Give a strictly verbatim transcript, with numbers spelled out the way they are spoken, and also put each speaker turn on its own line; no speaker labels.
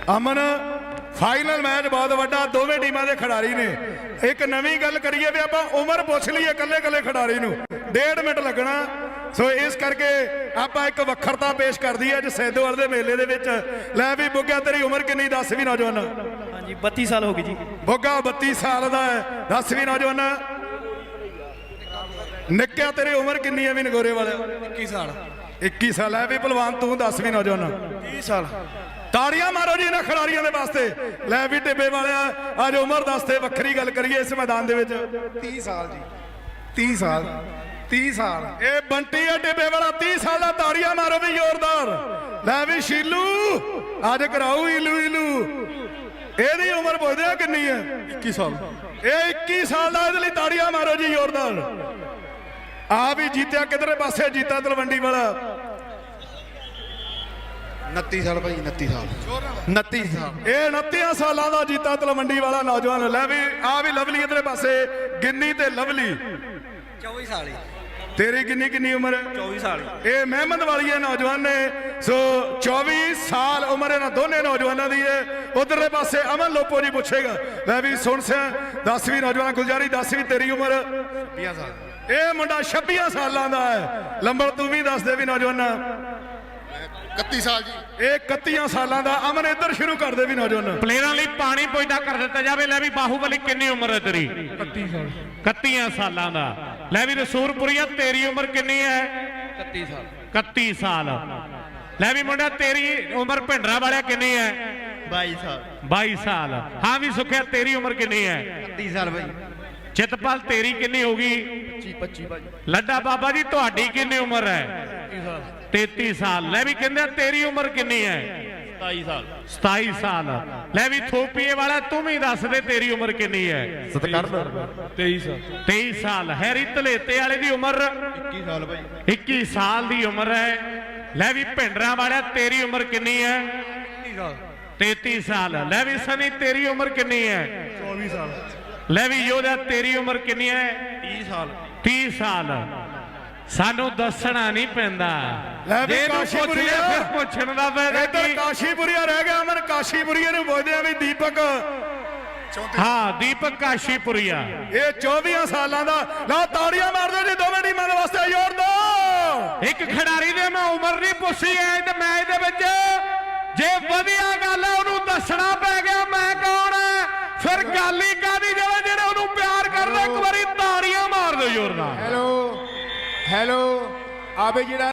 अमन final match बहुत वड्डा, दोवें टीमां दे खिडारी ने। एक नवीं गल करिए भी आपां उमर पुछ लईए कल्ले कल्ले खिडारी नूं, डेढ़ मिनट लगना। सो इस करके आपां एक वखरता पेश कर दी अज सैदोवाल दे मेले दे विच। लै भी बुग्गा तेरी उमर किन्नी दस भी नौजवान?
हाँ जी बत्ती साल हो गई जी।
बुग्गा बत्ती साल दा है, दस भी नौजवान। निक्किया तेरी उमर किन्नी है भी नगोरे वाले?
इक्की साल।
इक्की साल है भी भलवान, तू दस भी नौजवान?
तीस साल।
ताड़ियां मारो जी इन्हां खिडारियां दे वास्ते। लै भी टिब्बे वाले अज उमर दसते वक्खरी गल करिए इस मैदान दे विच।
तीस साल जी, तीस साल, तीस साल।
ये बंटी है टिब्बे वाला, तीस साल का। ताड़ियां मारो भी जोरदार। लै भी शीलू अज कराऊ इलू इलू। एदी उमर पुछदे किन्नी है?
इक्की साल।
ये इक्की साल का, इहदे लई ताड़ियां मारो जी जोरदार। आ भी जीत्या किधरे पासे, जीता तलवंडी वाला।
उनती साल भाई, उनती साल, उनती साल।
ये उनती साल का जीता तलवंडी वाला नौजवान। लै भी आ भी लवली इधर पासे, गिन्नी ते लवली।
चौबीस साल।
तेरी किन्नी किन्नी उम्र?
चौबीस साल।
ये मेहमद वाली है नौजवान ने। सो चौबीस साल उम्र इन्होंने दोनों नौजवानों की है। उधरले पासे अमन लोपो जी पूछेगा। लै भी सुन से दसवीं नौजवान गुलजारी, दसवीं तेरी उम्र?
छब्बी साल।
ये मुंडा छब्बी सालों का है। लंबर तू भी दस दे भी नौजवान?
इकती साल जी।
ये इकती सालों का। अमन इधर शुरू कर दे भी नौजवान।
प्लेयरां लई पानी पुजदा कर दिता जाए। लै भी बाहुबली किन्नी उम्र है तेरी?
इकती साल।
इकती सालों का। लै भी रसूलपुरिया तेरी उम्र किन्नी है?
इकती साल।
इकती साल। लै भी मुंडा तेरी उम्र भिंडरा वाले किन्नी है?
बाईस साल।
बाईस साल। हाँ भी सुखिया तेरी उम्र किन्नी है?
इकती साल भाई।
चितपाल तेरी किन्नी होगी?
पच्ची भाई।
लड्डा बाबा जी तुहाडी किन्नी उम्र है? तैती साल। लै भी कहंदे तेरी उम्र किन्नी है?
सताई साल।
सताई साल। लै भी थोपीए वाला तू भी दस दे तेरी उम्र किन्नी है?
तेईस साल।
तेईस साल। हैरी धलेते वाले दी उम्र?
इक्की साल भाई।
इक्की साल दी उम्र है। लै भी भिंडरा वाला तेरी उम्र किन्नी है? तैती साल। लै भी सनी तेरी उम्र किन्नी है?
चौबीस साल।
लै भी योधा तेरी उम्र किन्नी है?
तीस साल।
तीस साल। सानू दसना नहीं पैंदा।
भी काशीपुरिया
फिर पुछण दा फायदा
इधर
की?
काशीपुरिया रह गया। अमन काशीपुरिया नूं पुछदे आ भी दीपक।
हाँ दीपक काशीपुरिया।
ये चौबीस सालों का। लो ताड़ियां मार दो जी दोवें टीमां दे वास्ते, जोर दो।
एक खिडारी दे मैं उम्र नहीं पुछी है ते मैच दे विच जे वधिया गल है ओनू दसना पै गया मैं कौन है, फिर गल ही कादी जिहड़े जिहड़े ओनू प्यार करदे। एक बारी ताड़ियां मार दो जोरदार।
हेलो हेलो आबे जिहड़ा